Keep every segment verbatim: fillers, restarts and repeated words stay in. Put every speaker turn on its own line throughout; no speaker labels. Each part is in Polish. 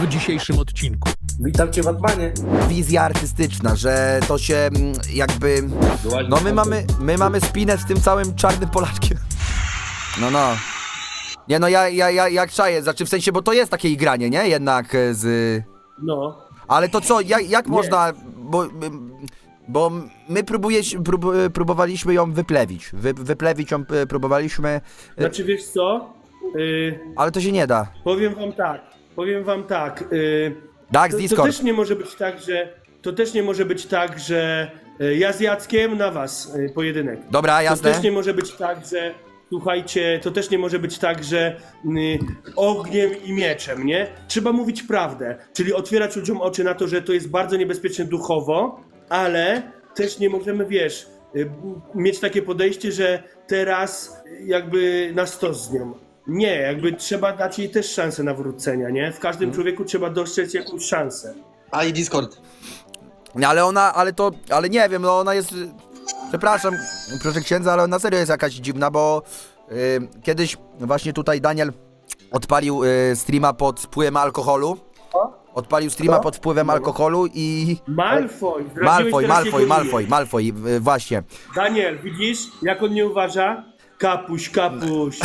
w dzisiejszym odcinku.
Witam cię, Batmanie.
Wizja artystyczna, że to się mm, jakby... No my mamy, my mamy spinę z tym całym czarnym Polaczkiem. No, no. Nie no, ja, ja, ja jak czaję, znaczy w sensie, bo to jest takie igranie, nie? Jednak e, z...
No.
Ale to co, jak, jak można, bo... Bo my próbuje, prób, próbowaliśmy ją wyplewić. Wy, wyplewić ją e, próbowaliśmy,
Znaczy wiesz co? Yy,
ale to się nie da.
powiem wam tak. Powiem wam tak. Yy,
Tak, z
to, to
Discord.
też nie może być tak, że. To też nie może być tak, że yy, ja z Jackiem na was yy, pojedynek.
Dobra,
To
jasne.
też nie może być tak, że. Słuchajcie, to też nie może być tak, że y, ogniem i mieczem, nie? Trzeba mówić prawdę, czyli otwierać ludziom oczy na to, że to jest bardzo niebezpieczne duchowo, ale też nie możemy, wiesz, y, mieć takie podejście, że teraz jakby na stos z nią. Nie, jakby trzeba dać jej też szansę nawrócenia, nie? W każdym człowieku trzeba dostrzec jakąś szansę.
A i Discord.
Nie, ale ona, ale to, ale nie wiem, no ona jest, przepraszam, proszę księdza, ale ona serio jest jakaś dziwna, bo y, kiedyś właśnie tutaj Daniel odpalił y, streama pod wpływem alkoholu. Odpalił streama pod wpływem alkoholu i...
Malfoy! zdradziłeś
Malfoy,
teraz
Malfoy,
jego
Malfoy,
imię.
Malfoy, y, właśnie.
Daniel, widzisz, jak on nie uważa? Kapuś, kapuś.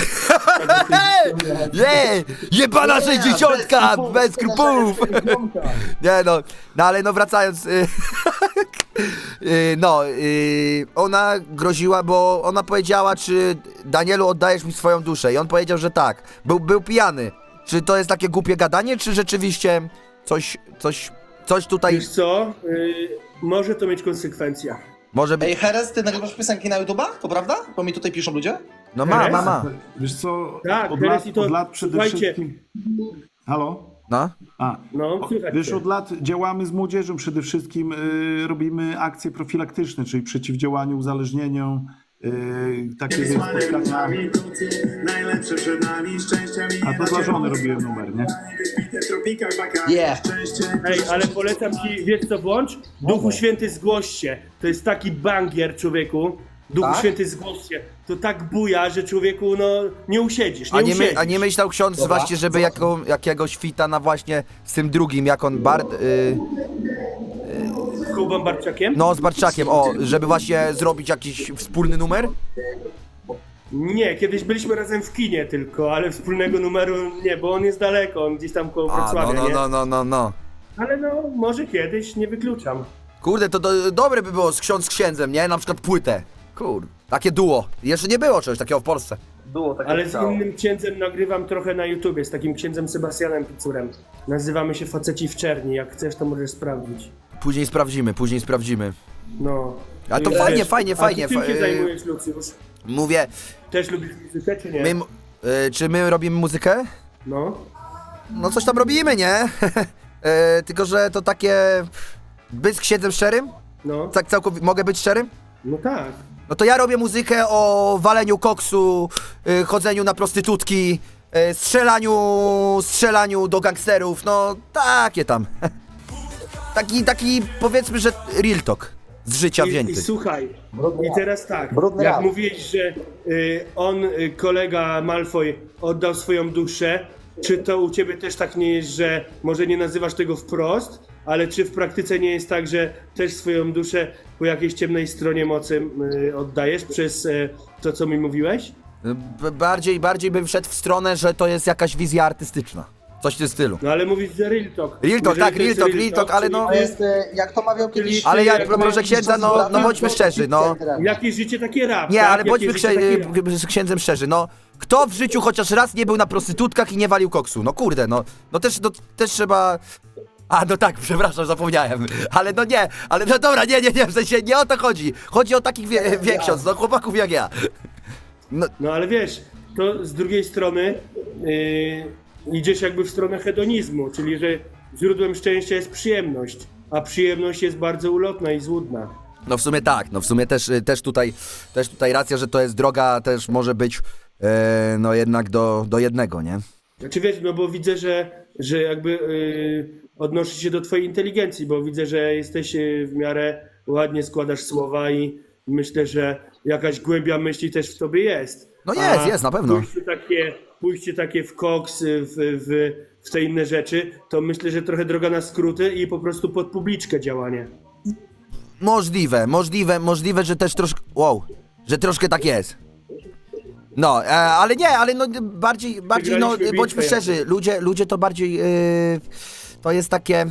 Nie! Jebana sześćdziesiątka! Bez skrupułów! Nie no, no ale no wracając, y, y, no, y, ona groziła, bo ona powiedziała, czy Danielu oddajesz mi swoją duszę i on powiedział, że tak. Był, był pijany. Czy to jest takie głupie gadanie, czy rzeczywiście coś, coś, coś tutaj
Wiesz co? Yy, może to mieć konsekwencje.
może
Ej,
być?
Heres, ty nagrywasz piosenki na YouTube'a? To prawda? Bo mi tutaj piszą ludzie.
No ma, ma, ma.
Wiesz co,
Tak,
od,
teraz
lat,
i to-
od lat przede
słuchajcie.
wszystkim... Halo?
No.
A,
No, słychać
wiesz,
cię.
od lat działamy z młodzieżą, przede wszystkim y, robimy akcje profilaktyczne, czyli przeciwdziałaniu uzależnieniom, y, takie wiesz, spotkania.
Najlepsze przed nami, szczęścia mi
A to dla żony robiłem numer, nie?
w tropikach Bacard.
Yeah.
Szczęście.
Ej, ale polecam ci, wiesz co włącz? Duchu Święty zgłoś się. To jest taki bangier, człowieku. Duchu
Tak?
Święty zgłoś się. To tak buja, że człowieku, no, nie usiedzisz, nie
A nie,
usiedzisz.
my, a nie myślał ksiądz
Dobra.
właśnie, żeby jaką, jakiegoś fita na właśnie z tym drugim, jak on Bart... Y,
Z Kubą Barczakiem?
no z Barczakiem, o, żeby właśnie zrobić jakiś wspólny numer?
Nie, kiedyś byliśmy razem w kinie tylko, ale wspólnego numeru nie, bo on jest daleko, on gdzieś tam koło
A, no,
Wrocławia,
no,
nie?
no, no, no, no.
Ale no, może kiedyś, nie wykluczam.
Kurde, to, to dobre by było z ksiądz z księdzem, nie? Na przykład płytę. Kurde. Takie duo. Jeszcze nie było czegoś takiego w Polsce.
Było takie
Ale z innym księdzem nagrywam trochę na YouTubie, z takim księdzem Sebastianem Picurem. Nazywamy się Faceci w Czerni, jak chcesz to możesz sprawdzić.
Później sprawdzimy, później sprawdzimy.
No.
A to
Wiesz,
fajnie, fajnie,
a
fajnie,
ty czym
fa-
się
y-
zajmujesz, Lucjusz?
Mówię,
Też lubisz muzykę, czy nie?
my, m- y, czy my robimy muzykę?
No.
No coś tam robimy, nie? y, tylko, że to takie... Być z księdzem szczerym?
No.
Tak całkowicie, mogę być szczerym?
No tak.
No to ja robię muzykę o waleniu koksu, y, chodzeniu na prostytutki, y, strzelaniu, strzelaniu do gangsterów, no takie tam. taki, taki powiedzmy, że real talk z życia
I,
wzięty.
I słuchaj, i teraz tak,
Brudny
jak
rap.
mówiłeś, że y, on, y, kolega Malfoy, oddał swoją duszę, czy to u ciebie też tak nie jest, że może nie nazywasz tego wprost, ale czy w praktyce nie jest tak, że też swoją duszę po jakiejś ciemnej stronie mocy y, oddajesz przez y, to, co mi mówiłeś?
B- bardziej, bardziej bym wszedł w stronę, że to jest jakaś wizja artystyczna. Coś w tym stylu.
No ale mówisz, że real talk.
Real talk,
Jeżeli
tak,
to jest
real talk, real talk, ale
czyli
no-
To jest, e, jak to mawiał kiedyś...
Ale ja,
jak
proszę
masz
księdza, no, no bądźmy szczerzy, no.
Jakieś życie takie rap,
Nie,
tak?
ale bądźmy
Jakieś
księ-
życie takie rap.
z księdzem szczerzy, no. Kto w życiu chociaż raz nie był na prostytutkach i nie walił koksu? No kurde, no. No też, no, też trzeba... A, no tak, przepraszam, zapomniałem. Ale no nie, ale no dobra, nie, nie, nie, w sensie nie o to chodzi. Chodzi o takich wie, wie ksiądz, no chłopaków jak ja. No,
No ale wiesz, to z drugiej strony yy, idziesz jakby w stronę hedonizmu, czyli że źródłem szczęścia jest przyjemność, a przyjemność jest bardzo ulotna i złudna.
no w sumie tak, no w sumie też, y, też tutaj, też tutaj racja, że to jest droga, też może być, e, no jednak do, do jednego, nie?
Znaczy wiesz, no bo widzę, że, że jakby yy, odnosi się do twojej inteligencji, bo widzę, że jesteś yy, w miarę ładnie składasz słowa i myślę, że jakaś głębia myśli też w tobie jest.
No jest,
A
jest, na pewno.
Pójście takie, pójście takie w koks, w, w, w w te inne rzeczy, to myślę, że trochę droga na skróty i po prostu pod publiczkę działanie.
Możliwe, możliwe, możliwe, że też troszkę, wow, że troszkę tak jest. No, e, ale nie, ale no bardziej, bardziej, no
Wygraliśmy
bądźmy
bitwę
szczerzy, ludzie, ludzie to bardziej, yy, to jest takie,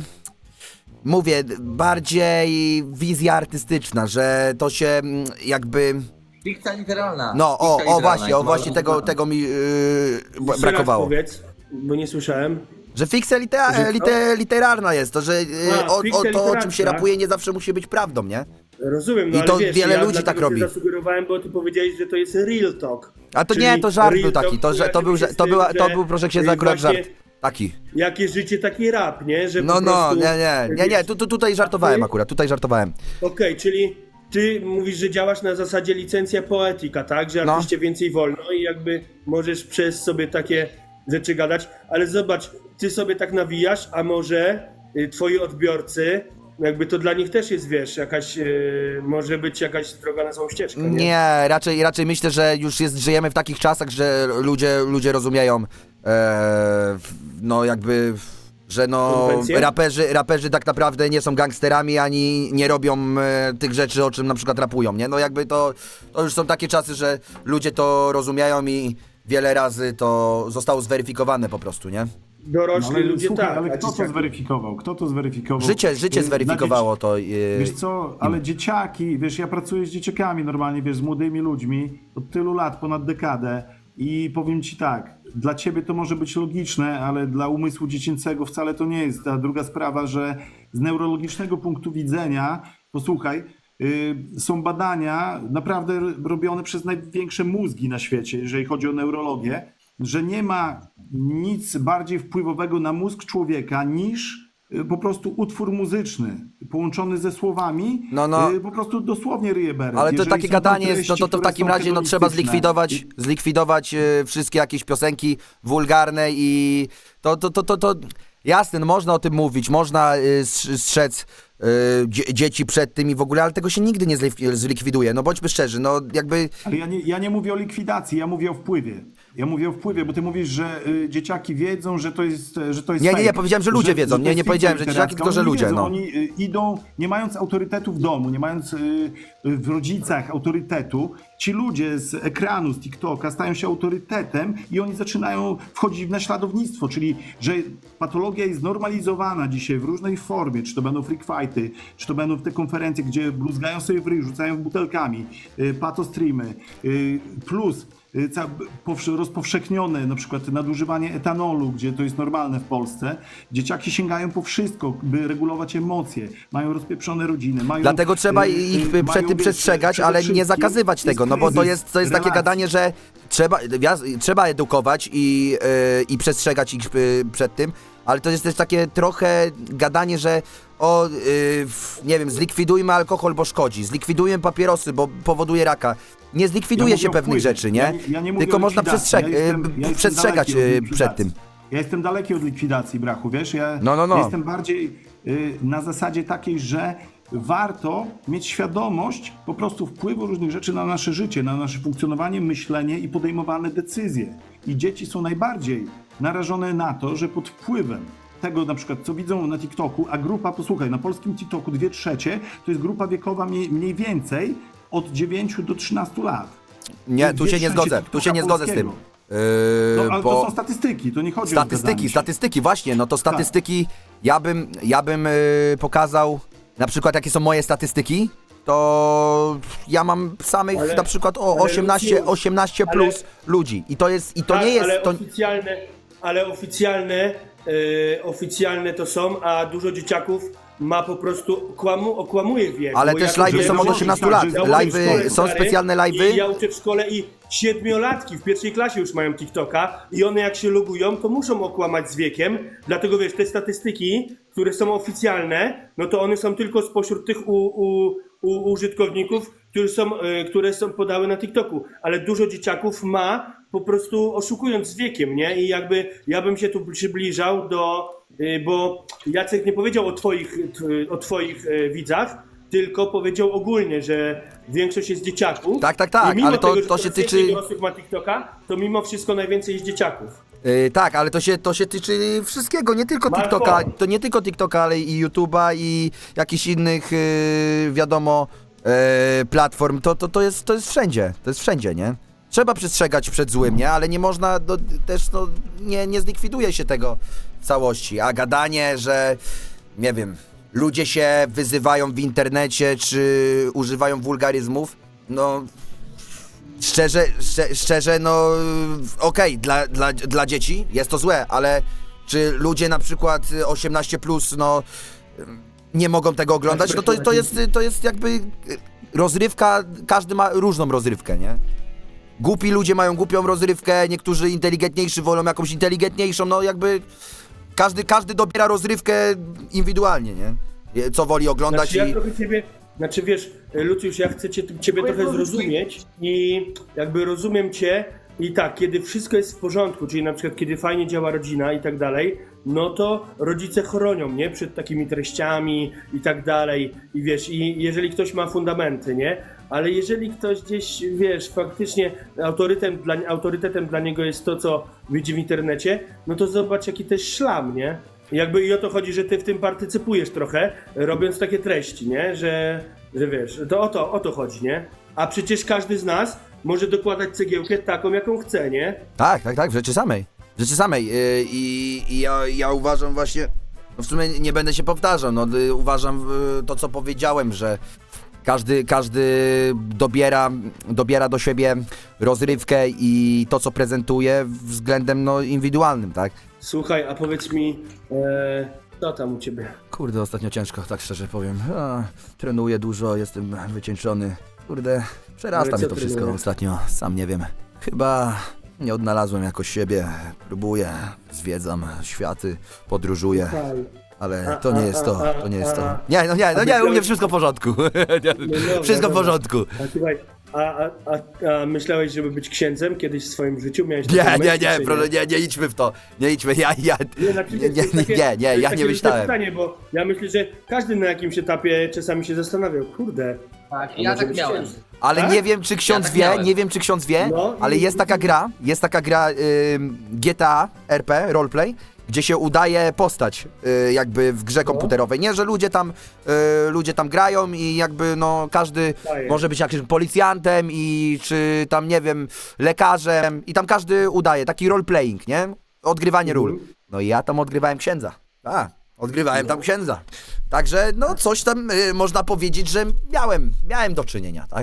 mówię, bardziej wizja artystyczna, że to się mm, jakby,
Fikcja literalna.
no, o,
Fikcja
o
literalna,
właśnie, o
jak
właśnie
mało-
tego, tego mi yy,
Jeszcze raz
brakowało.
powiedz, bo nie słyszałem.
Że fikcja litera,
Że co?
lite, literarna jest, to, że yy,
A,
o, o
fikcja
to, o czym
literacka.
się rapuje, nie zawsze musi być prawdą, nie?
Rozumiem, no
I
ale
to
wiesz,
wiele
ja
ludzi
dlatego
tak robi.
się zasugerowałem, bo ty powiedziałeś, że to jest real talk.
A to
Czyli
nie, to żart
real
był taki,
talk
to, że, to, był, że,
kojarzy
to,
się z
była,
tym,
to
że
był proszę księdza
to
akurat
jest
żart.
właśnie
Taki.
Jakie życie, taki rap, nie? Że
No,
po
no,
prostu,
nie, nie, nie, nie, tu, tu, tutaj żartowałem akurat, tutaj żartowałem.
Okej, czyli ty mówisz, że działasz na zasadzie licencja poetyka, tak? Że
No.
artyście więcej wolno i jakby możesz przez sobie takie rzeczy gadać, ale zobacz, ty sobie tak nawijasz, a może y, twoi odbiorcy, jakby to dla nich też jest, wiesz, jakaś, y, może być jakaś droga na złą ścieżkę, nie?
Nie, raczej, raczej myślę, że już jest, żyjemy w takich czasach, że ludzie, ludzie rozumieją, e, w- no jakby, że no
Konwencje?
raperzy, raperzy tak naprawdę nie są gangsterami, ani nie robią e, tych rzeczy, o czym na przykład rapują, nie? No jakby to, to już są takie czasy, że ludzie to rozumieją i wiele razy to zostało zweryfikowane po prostu, nie?
Dorośli
No, ale
ludzie
słuchaj,
tak,
ale
a
kto to
dzieciaki-
zweryfikował? Kto to zweryfikował?
Życie, życie
Y,
zweryfikowało
dla
to. e,
Wiesz co, ale dzieciaki, wiesz, ja pracuję z dzieciakami normalnie, wiesz, z młodymi ludźmi od tylu lat, ponad dekadę i powiem ci tak, dla ciebie to może być logiczne, ale dla umysłu dziecięcego wcale to nie jest. A druga sprawa, że z neurologicznego punktu widzenia, posłuchaj, y, są badania naprawdę robione przez największe mózgi na świecie, jeżeli chodzi o neurologię, że nie ma nic bardziej wpływowego na mózg człowieka niż y, po prostu utwór muzyczny połączony ze słowami,
No, no.
y, po prostu dosłownie ryje beret.
Ale to
Jeżeli
takie
są
gadanie
tam
jest, no to, to w
treści,
takim
które są
razie no, trzeba
hedonistyczne.
zlikwidować, zlikwidować e, wszystkie jakieś piosenki wulgarne i to, to, to, to, to jasne, no, można o tym mówić, można e, strz- strzec e, dzie- dzieci przed tym i w ogóle, ale tego się nigdy nie zlik- zlikwiduje, no bądźmy szczerzy, no jakby,
Ale ja nie, ja nie mówię o likwidacji, ja mówię o wpływie. Ja mówię o wpływie, bo ty mówisz, że y, dzieciaki wiedzą, że to jest, że to jest
Nie, nie,
fake,
nie, powiedziałem, że ludzie wiedzą.
to
Nie,
jest
nie
fikcja
powiedziałem, że dzieciaki,
literacka.
tylko że
Oni
ludzie,
wiedzą,
no.
Oni y, idą, nie mając autorytetu w domu, nie mając y, y, w rodzicach autorytetu, ci ludzie z ekranu, z TikToka stają się autorytetem i oni zaczynają wchodzić w naśladownictwo, czyli że patologia jest normalizowana dzisiaj w różnej formie, czy to będą freak fighty, czy to będą te konferencje, gdzie bluzgają sobie w ryj, rzucają butelkami, y, patostreamy, y, plus y, ca- powsze- rozpowszechnione na przykład nadużywanie etanolu, gdzie to jest normalne w Polsce. Dzieciaki sięgają po wszystko, by regulować emocje, mają rozpieprzone rodziny, mają...
dlatego trzeba
y, y,
ich
mają,
przed tym
wiesz,
przestrzegać,
przede
ale nie
wszystkim
zakazywać tego, no bo to
kryzys
jest, to jest takie
relacji.
gadanie, że trzeba, wias- trzeba edukować i, yy, i przestrzegać ich yy, przed tym, ale to jest też takie trochę gadanie, że o, yy, w- nie wiem, zlikwidujmy alkohol, bo szkodzi, zlikwidujmy papierosy, bo powoduje raka. Nie zlikwiduje
Ja
się
mówię o
pewnych
wpływie.
rzeczy, nie?
Ja nie- ja nie mówię
Tylko
o
można
likwidacji.
przestrzeg-
Ja jestem-
yy,
ja jestem
przestrzegać
daleki od
yy,
likwidacji.
przed tym.
Ja jestem daleki od likwidacji, brachu, wiesz? Ja,
No, no, no.
ja jestem bardziej y, na zasadzie takiej, że warto mieć świadomość po prostu wpływu różnych rzeczy na nasze życie, na nasze funkcjonowanie, myślenie i podejmowane decyzje. I dzieci są najbardziej narażone na to, że pod wpływem tego na przykład, co widzą na TikToku, a grupa, posłuchaj, na polskim TikToku dwie trzecie to jest grupa wiekowa mniej, mniej więcej od dziewięciu do trzynastu lat.
Nie, tu
Dwie
się nie
trzecie
zgodzę, tu się nie zgodzę z tym.
polskiego.
Yy,
No, ale
bo...
to są statystyki, to nie chodzi o
Statystyki,
zgadzanie się.
statystyki, właśnie, no to statystyki, ja bym, ja bym yy, pokazał, na przykład jakie są moje statystyki, to ja mam samych
Ale-
na przykład o
ale
osiemnaście,
Lucjusz,
osiemnaście
ale-
plus ludzi i to jest, i to
Tak,
nie jest,
ale
to,
oficjalne, ale oficjalne, e, oficjalne to są, a dużo dzieciaków ma po prostu, kłamu, okłamuje wiek.
ale
bo
też
ja
live'y
to
są od
założę,
osiemnastu
tak,
lat,
że założę w
live'y,
szkole,
są
stary,
specjalne live'y.
I ja uczę w szkole i siedmiolatki w pierwszej klasie już mają TikToka i one jak się logują, to muszą okłamać z wiekiem, dlatego wiesz, te statystyki, które są oficjalne, no to one są tylko spośród tych u, u, u użytkowników, które są, e, które są podały na TikToku, ale dużo dzieciaków ma po prostu oszukując z wiekiem, nie? I jakby ja bym się tu przybliżał do, e, bo Jacek nie powiedział o twoich, t- o twoich e, widzach, tylko powiedział ogólnie, że większość jest dzieciaków.
Tak, tak, tak,
I mimo
ale to-
tego, że
to się
coraz więcej
tyczy-
dorosłych ma TikToka, to mimo wszystko najwięcej jest dzieciaków.
Yy, tak, ale to się, to się tyczy wszystkiego, nie tylko
Marko.
TikToka, to nie tylko TikToka, ale i YouTube'a i jakichś innych, yy, wiadomo, yy, platform, to, to, to, jest, to jest wszędzie, to jest wszędzie, nie? Trzeba przestrzegać przed złym, nie? Ale nie można, no, też no, nie, nie zlikwiduje się tego w całości, a gadanie, że, nie wiem, ludzie się wyzywają w internecie, czy używają wulgaryzmów, no... Szczerze, szczerze, szczerze, no okej, dla, dla, dla dzieci jest to złe, ale czy ludzie na przykład osiemnaście plus, no nie mogą tego oglądać, no to, to, jest, to jest jakby rozrywka, każdy ma różną rozrywkę, nie? Głupi ludzie mają głupią rozrywkę, niektórzy inteligentniejsi wolą jakąś inteligentniejszą, no jakby każdy, każdy dobiera rozrywkę indywidualnie, nie? Co woli oglądać
Znaczy,
i...
ja trochę ciebie, znaczy wiesz, Lucjusz, ja chcę cię, ciebie trochę zrozumieć i jakby rozumiem cię i tak, kiedy wszystko jest w porządku, czyli na przykład kiedy fajnie działa rodzina i tak dalej, no to rodzice chronią, nie? Przed takimi treściami i tak dalej i wiesz, i jeżeli ktoś ma fundamenty, nie? Ale jeżeli ktoś gdzieś, wiesz, faktycznie autorytetem dla, autorytetem dla niego jest to, co widzi w internecie, no to zobacz jaki to jest szlam, nie? Jakby i o to chodzi, że ty w tym partycypujesz trochę, robiąc takie treści, nie? Że, że wiesz, to o to, o to chodzi, nie? A przecież każdy z nas może dokładać cegiełkę taką, jaką chce, nie?
Tak, tak, tak, w rzeczy samej. W rzeczy samej. Yy, I i ja, ja uważam właśnie, no w sumie nie będę się powtarzał, no y, uważam y, to, co powiedziałem, że każdy, każdy dobiera, dobiera do siebie rozrywkę i to, co prezentuje względem no, indywidualnym, tak?
Słuchaj, a powiedz mi, e, co tam u ciebie?
Kurde, ostatnio ciężko, tak szczerze powiem. A, trenuję dużo, jestem wycieńczony. Kurde, przerasta
Ale
mnie
co
to wszystko
trenujesz?
ostatnio, sam nie wiem. Chyba nie odnalazłem jakoś siebie, próbuję, zwiedzam światy, podróżuję.
Słuchaj,
Ale
A,
to nie
a,
jest to,
a,
to nie
a,
jest to.
a.
Nie, no nie, no
A
nie, u mnie
myślałeś-
wszystko w porządku.
dobra,
Wszystko w
dobra.
porządku.
A słuchaj, a, a, a, a myślałeś, żeby być księdzem kiedyś w swoim życiu? Miałeś
Nie,
taką
nie,
myśl,
nie,
czy
proszę, nie, nie idźmy w to. Nie idźmy, ja, ja,
Nie, znaczy,
nie,
to
nie,
jest takie-
nie, nie,
to jest
ja
takie
nie
luźne
myślałem.
pytanie, bo ja myślę, że każdy na jakimś etapie czasami się zastanawiał, kurde.
Tak,
a
ja
może
tak
być
miałem.
księdzem?
Ale
Tak?
nie wiem, czy ksiądz
tak
wie,
miałem.
nie wiem, czy ksiądz wie,
No,
ale
i-
jest taka gra, jest taka gra ym, G T A R P, roleplay, gdzie się udaje postać y, jakby w grze komputerowej. Nie, że ludzie tam, y, ludzie tam grają i jakby no każdy
Daję.
może być jakimś policjantem i czy tam, nie wiem, lekarzem i tam każdy udaje, taki roleplaying, nie? Odgrywanie ról. No i ja tam odgrywałem księdza. A, odgrywałem tam księdza. Także no coś tam y, można powiedzieć, że miałem, miałem do czynienia, tak?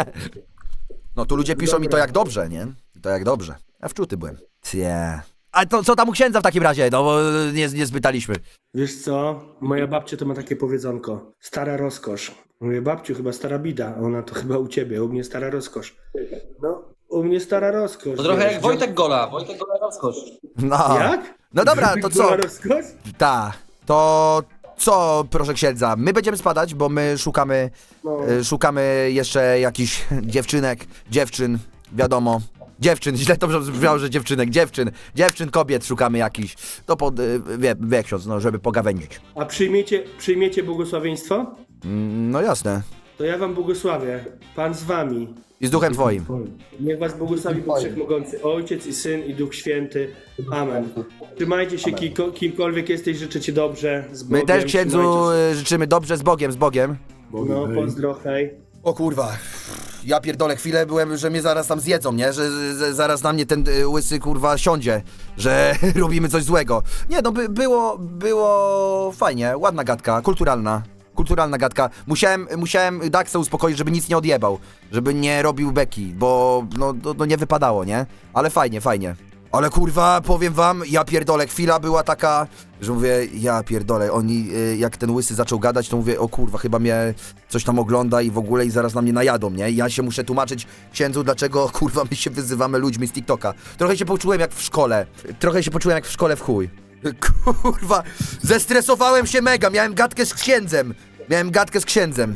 No tu ludzie piszą mi to jak dobrze, nie? To jak dobrze. Ja wczuty byłem. Cie. A to co tam u księdza w takim razie? No bo nie, nie spytaliśmy.
Wiesz co, moja babcia to ma takie powiedzonko, stara rozkosz. Mówię, babciu, chyba stara bida, a ona to chyba u ciebie, u mnie stara rozkosz. No, u mnie stara rozkosz.
To trochę
wiesz,
jak Wojtek Gola, Wojtek Gola rozkosz.
No.
Jak?
No dobra, to co?
Była rozkosz?
Ta. To co, proszę księdza? My będziemy spadać, bo my szukamy,
No.
y, szukamy jeszcze jakichś dziewczynek, dziewczyn, wiadomo. Dziewczyn, źle to brzmiało, że dziewczynek, dziewczyn, dziewczyn, kobiet szukamy jakichś. To pod, y, wie, wie ksiądz, no, żeby pogawędzić.
A przyjmiecie, przyjmiecie błogosławieństwo?
Mm, no jasne.
To ja wam błogosławię. Pan z wami.
I z duchem twoim.
Niech was błogosławi Bóg Wszechmogący, Ojciec i Syn i Duch Święty. Amen. Trzymajcie się, kiko, kimkolwiek jesteś, życzę ci dobrze, z Bogiem.
My też księdzu
trzymajcie
y, życzymy dobrze, z Bogiem, z Bogiem.
się. No, pozdro, hej.
O kurwa, ja pierdolę, chwilę byłem, że mnie zaraz tam zjedzą, nie? Że z, zaraz na mnie ten y, łysy kurwa siądzie, że robimy coś złego. Nie no, by, było, było fajnie, ładna gadka, kulturalna. Kulturalna gadka. Musiałem, musiałem Daxa uspokoić, żeby nic nie odjebał, żeby nie robił beki, bo no, no, no nie wypadało, nie? Ale fajnie, fajnie. Ale kurwa, powiem wam, ja pierdolę, chwila była taka, że mówię, ja pierdolę, oni, y, jak ten łysy zaczął gadać, to mówię, o kurwa, chyba mnie coś tam ogląda i w ogóle i zaraz na mnie najadą, nie? I ja się muszę tłumaczyć księdzu, dlaczego, kurwa, my się wyzywamy ludźmi z TikToka. Trochę się poczułem jak w szkole, trochę się poczułem jak w szkole w chuj. Kurwa, zestresowałem się mega, miałem gadkę z księdzem, miałem gadkę z księdzem.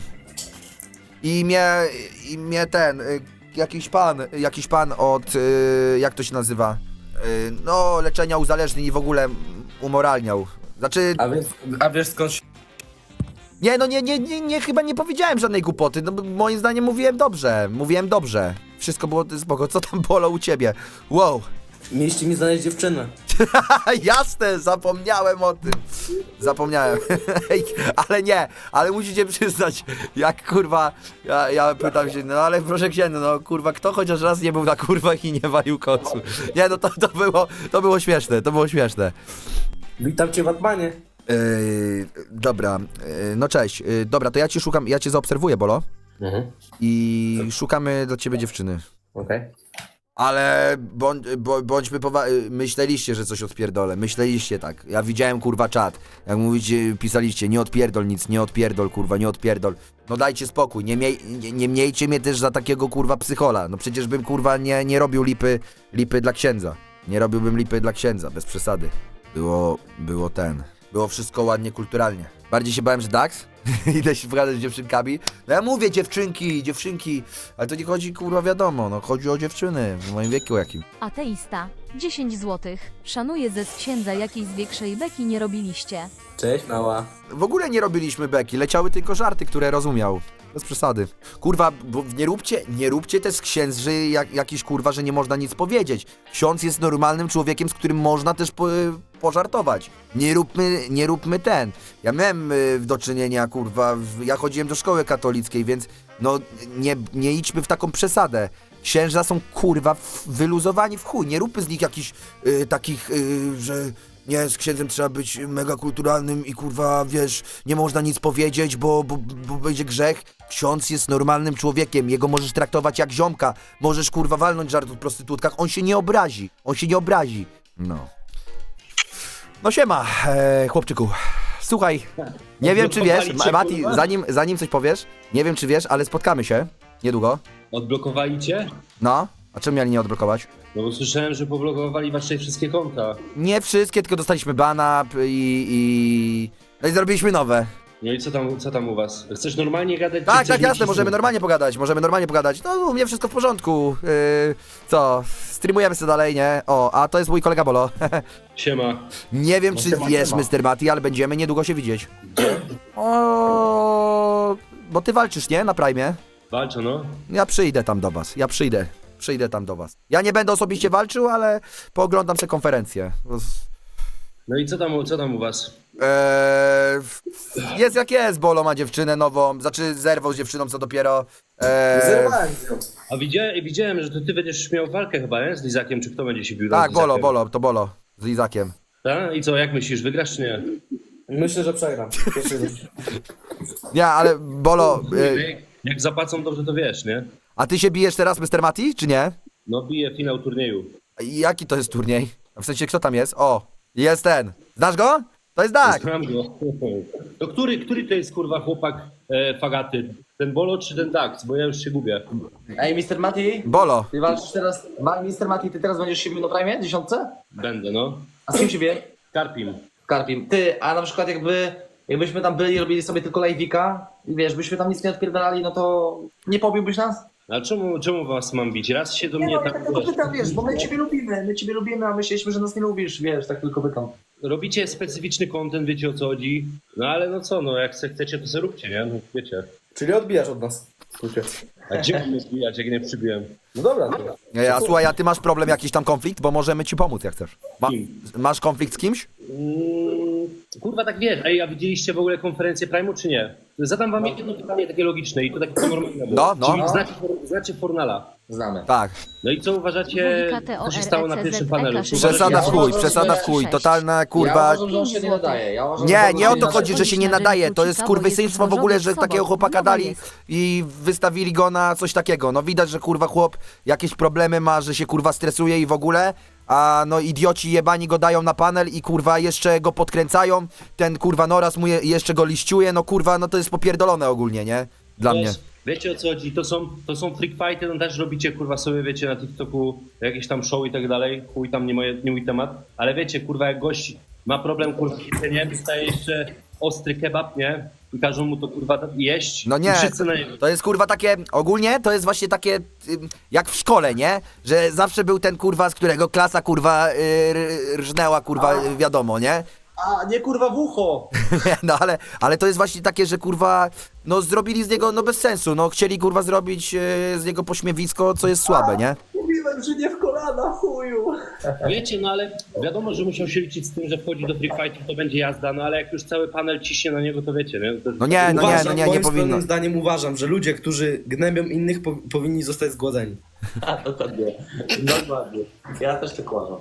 I mnie, i mnie ten, y, jakiś pan, jakiś pan od, y, jak to się nazywa? Y, no, leczenia uzależnień i w ogóle umoralniał. Znaczy,
A wiesz, a wiesz skąd się...
nie, no nie, nie, nie, nie, chyba nie powiedziałem żadnej głupoty, no bo moim zdaniem mówiłem dobrze, mówiłem dobrze. Wszystko było spoko, co tam bolo u ciebie? Wow,
Mieliście mi znaleźć dziewczynę.
Jasne, zapomniałem o tym. Zapomniałem. Ej, ale nie, ale musicie przyznać, jak kurwa, ja, ja pytam się, no ale proszę księdza, no kurwa, kto chociaż raz nie był na kurwach i nie walił kocu? Nie, no to, to było, to było śmieszne, to było śmieszne.
Witam cię w Batmanie.
Yy, dobra, yy, no cześć, yy, dobra, to ja ci szukam, ja cię zaobserwuję, Bolo,
Mhm.
i szukamy dla ciebie dziewczyny.
Okej.
Ale bądź, bo, bądźmy powa- myśleliście, że coś odpierdolę, myśleliście tak. Ja widziałem kurwa czat, jak mówicie, pisaliście, nie odpierdol nic, nie odpierdol kurwa, nie odpierdol. No dajcie spokój, nie, miej, nie, nie miejcie mnie też za takiego kurwa psychola. No przecież bym kurwa nie, nie robił lipy, lipy dla księdza. Nie robiłbym lipy dla księdza, bez przesady. Było, było ten, było wszystko ładnie, kulturalnie. Bardziej się bałem, że Dax, idę się pogadać z dziewczynkami. No ja mówię dziewczynki, dziewczynki, ale to nie chodzi kurwa wiadomo, no chodzi o dziewczyny w moim wieku jakim.
Ateista, dziesięć złotych. Szanuję ze z księdza jakiejś większej beki nie robiliście.
Cześć, mała.
W ogóle nie robiliśmy beki, leciały tylko żarty, które rozumiał. Bez przesady. Kurwa, bo nie róbcie, nie róbcie też z księży jak, jakiś kurwa, że nie można nic powiedzieć. Ksiądz jest normalnym człowiekiem, z którym można też po, pożartować. Nie róbmy, nie róbmy ten. Ja miałem y, do czynienia, kurwa, w, ja chodziłem do szkoły katolickiej, więc no nie, nie idźmy w taką przesadę. Księża są kurwa w, wyluzowani w chuj. Nie róbmy z nich jakichś y, takich, y, że nie, z księdzem trzeba być mega kulturalnym i kurwa, wiesz, nie można nic powiedzieć, bo, bo, bo będzie grzech. Ksiądz jest normalnym człowiekiem, jego możesz traktować jak ziomka, możesz kurwa walnąć żart o prostytutkach, on się nie obrazi, on się nie obrazi. No. No siema, e, chłopczyku. Słuchaj, nie wiem czy wiesz, Ma- Mati, zanim, zanim coś powiesz, nie wiem czy wiesz, ale spotkamy się niedługo.
Odblokowali cię?
No, a czemu mieli nie odblokować?
No bo słyszałem, że poblokowali wasze wszystkie konta.
Nie wszystkie, tylko dostaliśmy bana p- i, i... No i zrobiliśmy nowe.
No i co tam, co tam u was? Chcesz normalnie gadać? czy
Tak,
chcesz
tak,
mi
jasne,
cisnąć?
możemy normalnie pogadać, możemy normalnie pogadać. No, u mnie wszystko w porządku. Yy, co, streamujemy sobie dalej, nie? O, a to jest mój kolega Bolo.
Siema.
Nie wiem, czy wiesz, mister Mati, ale będziemy niedługo się widzieć. O, bo ty walczysz, nie? Na Prime.
Walczą, no.
Ja przyjdę tam do was, ja przyjdę. Przyjdę tam do was. Ja nie będę osobiście walczył, ale pooglądam sobie konferencję.
No i co tam, co tam u was?
Eee, jest jak jest, Bolo ma dziewczynę nową, znaczy zerwał z dziewczyną, co dopiero. Eee,
Zerwałem z nią.
A widziałem, widziałem, że to ty będziesz miał walkę chyba, nie? Z Lizakiem, czy kto będzie się bił?
tak,
z
Bolo,
Lizakiem?
Bolo, to Bolo, z Izakiem.
Tak? I co, jak myślisz, wygrasz czy nie?
Myślę, że przegram.
Nie, ale Bolo, e,
Jak, jak zapłacą dobrze, to wiesz, nie?
a ty się bijesz teraz, mister Mati, czy nie?
No bije finał turnieju.
Jaki to jest turniej? W sensie, kto tam jest? O, jest ten. Znasz go? To jest tak.
Znam go. To który, który to jest kurwa chłopak e, fagaty? Ten Bolo czy ten Dax? Bo ja już się gubię.
Ej, mister Mati,
Bolo.
ty walczysz teraz, Ma- mister Mati, ty teraz będziesz się bił na Prime, dziesiątce?
Będę, no.
A z kim się bije?
Karpim.
Karpim. Ty, a na przykład jakby, jakbyśmy tam byli, robili sobie tylko live'ika i wiesz, byśmy tam nic nie odpierdalali, no to nie pobiłbyś nas?
A czemu, czemu was mam bić? Raz się do
Nie,
mnie
no, ja
tak,
tylko
wiesz,
pytam, wiesz, bo my ciebie lubimy, my ciebie lubimy, a myśleliśmy, że nas nie lubisz, wiesz, tak tylko pytam.
robicie specyficzny content, wiecie o co chodzi. No ale no co, no jak se chcecie, to sobie róbcie, nie? No wiecie.
Czyli odbijasz od nas. Słuchaj.
A gdzie mam mnie zbijać, jak nie przybiłem?
No dobra, to.
Nie, a słuchaj, a ty masz problem, jakiś tam konflikt? Bo możemy ci pomóc, jak chcesz. Ma, masz konflikt z kimś?
Mm, kurwa tak wiesz, ej, a widzieliście w ogóle konferencję Prime'u czy nie? Zadam wam jedno pytanie takie logiczne i to takie normalne.
No, no.
Czyli znacie, znacie Fornala.
Znamy.
Tak.
No i co uważacie, co się stało na pierwszym panelu? Czy uważacie-
Przesada w chuj,
uważam,
przesada
że
w chuj,
sześć.
totalna
Ja
kurwa.
uważam, że on się nie nadaje. Ja uważam, że
Nie,
on
nie o
się
to
nadaje.
chodzi, że się nie nadaje, to jest kurwysyństwo w ogóle, że takiego chłopaka dali i wystawili go na coś takiego. No widać, że kurwa chłop jakieś problemy ma, że się kurwa stresuje i w ogóle, a no idioci jebani go dają na panel i kurwa jeszcze go podkręcają, ten kurwa Noras mu je, jeszcze go liściuje, no kurwa, no to jest popierdolone ogólnie, nie? Dla mnie.
Wiecie o co chodzi, to są, to są freak fighty, no też robicie kurwa sobie, wiecie, na TikToku jakieś tam show i tak dalej, chuj tam nie, moje, nie mój temat, ale wiecie, kurwa, jak gość ma problem, kurwa, z jedzeniem, dostaje jeszcze ostry kebab, nie? I każą mu to kurwa jeść.
No
I
nie,
wszyscy na niego.
to jest kurwa takie, ogólnie to jest właśnie takie ym, jak w szkole, nie? Że zawsze był ten kurwa, z którego klasa kurwa y, r- rżnęła kurwa, y, wiadomo, nie?
A, nie kurwa w ucho!
No ale, ale to jest właśnie takie, że kurwa, no zrobili z niego, no bez sensu, no chcieli kurwa zrobić y, z niego pośmiewisko, co jest słabe, nie?
Mówiłem, że nie w kolana, chuju.
Wiecie, no ale wiadomo, że musiał się liczyć z tym, że wchodzi do free fightów, to będzie jazda, no ale jak już cały panel ciśnie na niego, to wiecie, nie? To...
No nie, no nie,
uważam,
no nie, nie
moim
powinno.
skromnym zdaniem uważam, że ludzie, którzy gnębią innych, po, powinni zostać zgładzeni.
A, dokładnie. Dokładnie. Ja też tak uważam.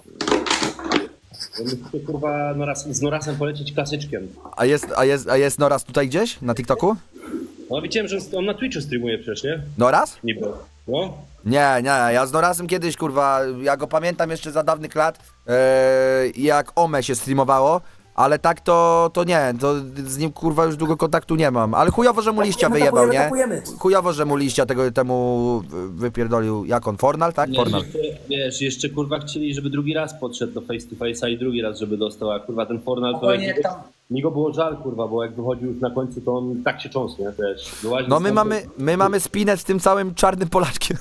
Musicie, kurwa, Noras, z Norasem polecieć klasyczkiem.
A jest, a jest, a jest Noraz tutaj gdzieś? Na TikToku?
No widziałem, że on na Twitchu streamuje przecież, nie?
Noraz?
Niby. No.
Nie, nie, ja z Norasem kiedyś, kurwa, ja go pamiętam jeszcze za dawnych lat, e, jak Ome się streamowało, ale tak to, to nie, to z nim, kurwa, już długo kontaktu nie mam, ale chujowo, że mu liścia wyjebał, nie? Chujowo, że mu liścia tego temu wypierdolił, jak on, Fornal, tak?
Nie,
Fornal.
jeszcze, wiesz, jeszcze kurwa chcieli, żeby drugi raz podszedł do face to face'a i drugi raz, żeby dostał, a kurwa ten Fornal to
Spokojnie,
jak
jak tam-
mi go było żal, kurwa, bo jak wychodził już na końcu, to on tak się cząsł, nie? Wiesz, wyłaził
No my
stąd,
mamy, my mamy spinę z tym całym czarnym Polaczkiem.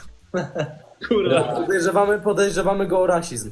kurwa.
Podejrzewamy, podejrzewamy go o rasizm.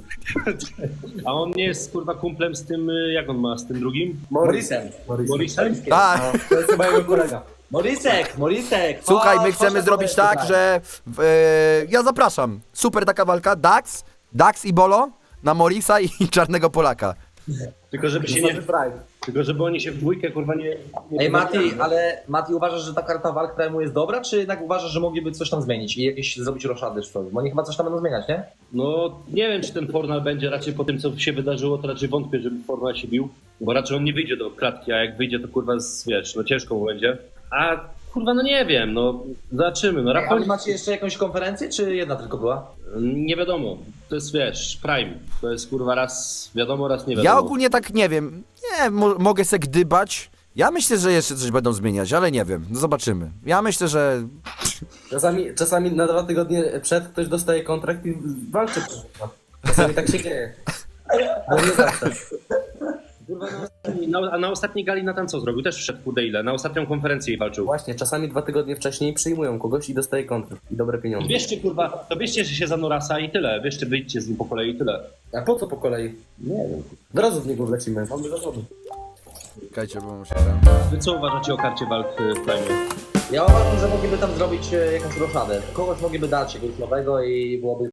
A on nie jest kurwa kumplem z tym, y, jak on ma, z tym drugim?
Morisem.
Morisem?
A,
To jest chyba jego kolega.
Morisek, Morisek.
słuchaj, my
chodź,
chcemy
chodź,
zrobić
chodź,
tak,
chodź.
że w, e, ja zapraszam. Super taka walka, Dax, Dax i Bolo na Morisa i czarnego Polaka.
Tylko żeby się nie, tylko żeby oni się w dwójkę kurwa nie... nie
Ej Mati, ale Mati uważasz, że ta karta walk Prime'u jest dobra, czy jednak uważasz, że mogliby coś tam zmienić i jakieś zrobić roszady czy coś? Bo oni chyba coś tam będą zmieniać, nie?
No nie wiem, czy ten Fornal będzie, raczej po tym co się wydarzyło, to raczej wątpię, żeby Fornal się bił, bo raczej on nie wyjdzie do klatki, a jak wyjdzie, to kurwa, z, wiesz, no ciężko mu będzie. A kurwa, no nie wiem, no zobaczymy, no
Ej,
Rafał...
ale macie jeszcze jakąś konferencję, czy jedna tylko była?
Nie wiadomo, to jest, wiesz, Prime, to jest kurwa raz wiadomo, raz nie wiadomo.
Ja ogólnie tak nie wiem, nie, mo mogę se gdybać. Ja myślę, że jeszcze coś będą zmieniać, ale nie wiem, no zobaczymy. Ja myślę, że
Czasami, czasami na dwa tygodnie przed ktoś dostaje kontrakt i walczy. Czasami tak się dzieje. No nie zawsze.
Kurwa, na, ostatni, na, a na ostatniej gali Natan co zrobił? Też wszedł kurde ile, na ostatnią konferencję i walczył.
Właśnie, czasami dwa tygodnie wcześniej przyjmują kogoś i dostaje kontrakt. I dobre pieniądze.
Bierzcie kurwa, to bierzcie się za Norasa i tyle, bierzcie, wyjdźcie z nim po kolei i tyle.
A po co po kolei?
Nie wiem.
Od razu w niego wlecimy. Mamy zasoby.
czekajcie, bo muszę tam...
Wy co uważacie o karcie walk y, w Prime?
Ja uważam, że mogliby tam zrobić e, jakąś roszadę. Kogoś mogliby dać jakiegoś nowego i byłoby